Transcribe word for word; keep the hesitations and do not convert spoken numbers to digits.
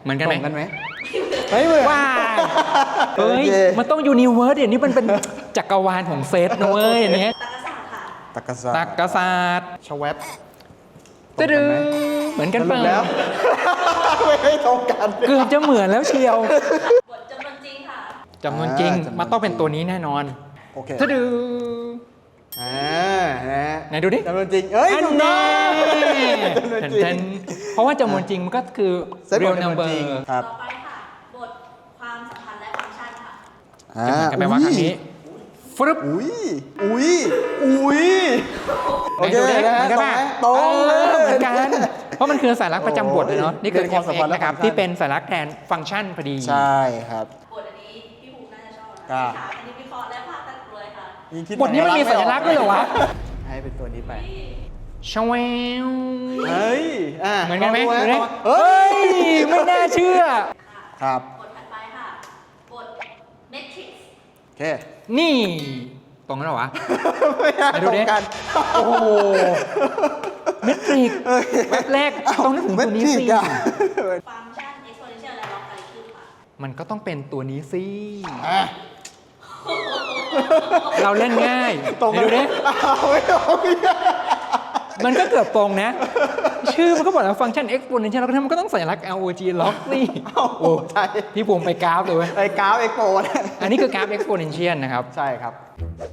มือนกันไหมตรงกันไหมไม่เหมือนว้าเฮ้ยโอเคมันต้องยูนิเวิร์สเดี๋ยวนี้มันเป็นจักรวาลของเซตนะเว้ยอันเนี้ยตักกะศาสตร์ตักกศาสตร์ชวบตะดึงเหมือนกันสรุเปล่าปแล้ว ไม่ให้ตรงกันเกือบจะเหมือนแล้วเชียวบทจำนวนจริงค่ะจำนวนจริงอ่าจำนวนมันต้องเป็นตัวนี้แน่นอนโอเคตะดึงอ่านะไหนดูดิจำนวนจริงเอ้ยอันถูกต้นี้องจำนวนจริแทงนๆเพราะว่าจำนวนจริงมันก็คือเซตของ real จำนวน number จริงครับต่อไปค่ะ บทความสัมพันธ์และฟังก์ชันค่ะอ่าจะเหมือนกันไหมว่าครั้งนี้ฟรึบอุ้ยอุ้ยอุ้ยโอเคไหนดูดินะเหมืฮะอนกันตรงป่ะไหมตรงเอเลอย เหมือนกัน เพราะมันคือสัญลักษณ์ประจำบทเลยเนาะ นี่คือเป็นความสัมพันธ์และนะครับฟังก์ชันที่เป็นสัญลักษณ์แทนฟังก์ชันพอดีใช่ครับบทอันนี้พี่ภูมิน่าจะชอบครันะบค่ะอันนี้วิเคราะห์และภาพตัดกลวยค่ะยิ่งคิดบทนี้มันมีสัญลักษณ์ด้วยเหรอวะให้เป็นตัวนี้ไปชววเฮ้ยอ่ะเหมือนกันไหมลงเหมือนดูไหมฮะเฮ้เฮ้ยย ไม่น่าเชื่อครับบทถัดไปค่ะ บท Matrix โอเคนี่ ตรงนั้นเหรอวะไม่น่าไหนดูตรดิงกันโอ้โหเมตริกแวบแรกต้องนึกถึงตัวนี้สิเมตริกอะฟังก์ชัน exponential และ logarithm ค่ะมันก็ต้องเป็นตัวนี้สิอ่ะเราเล่นง่ายตรงไหนดูดิเอาไม่ตรงมันก็เกือบตรงนะ ชื่อมันก็บอกแล้วฟังก์ชัน exponential แล้วมันก็ต้องสัญลักษณ์ log log นี่โอ้ใช่พี่ภูมิไปกราฟเลยเว้ยไอ้กราฟเอ็กโปเนี่ยอันนี้คือกราฟ exponential นะครับใช่ครับ